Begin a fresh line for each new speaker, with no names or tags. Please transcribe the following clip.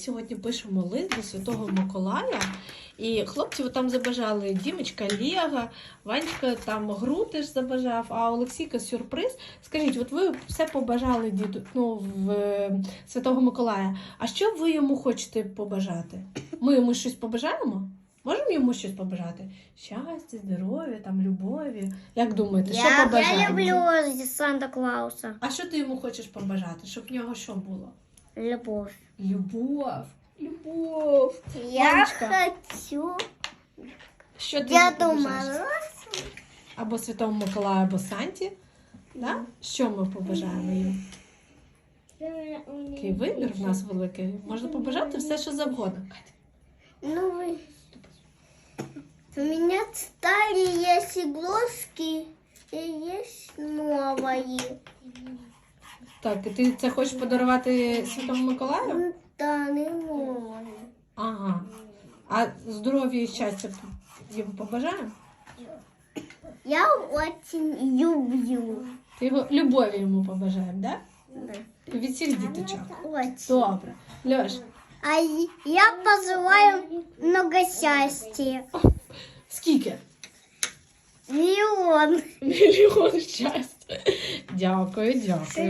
сьогодні пишемо лист до Святого Миколая. І хлопці там забажали Дімочка Лего, Ванечка там гру теж забажав, а Олексійка сюрприз. Скажіть, от ви все побажали в Святого Миколая. А що ви йому хочете побажати? Ми йому щось побажаємо? Можемо йому щось побажати? Щастя, здоров'я, там, любові. Як думаєте, що побажаємо?
Я люблю Санта-Клауса.
А що ти йому хочеш побажати? Щоб в нього що було?
Любовь.
Любов. Любов.
Я
Ванечка,
хочу
що ти
Деду
йому побажаєш?
Морозу.
Або Святому Миколаю, або Санті. Да? Що ми побажаємо їм? Такий вибір в нас великий. Можна побажати все, що завгодно.
Ну, у меня старые есть игрушки и есть новые.
Так, і ти це хочеш подарувати Святому Миколаю?
Да, не новые.
Ага. А здоров'я і щастя йому побажаємо?
Я очень люблю.
Ти його любові йому побажаємо, так?
Да.
Да? Від всіх діточок.
Очень.
Добре. Льош,
А я пожелаю много счастья.
скільки?
Миллион.
Мільйон щастя. Дякую, дякую.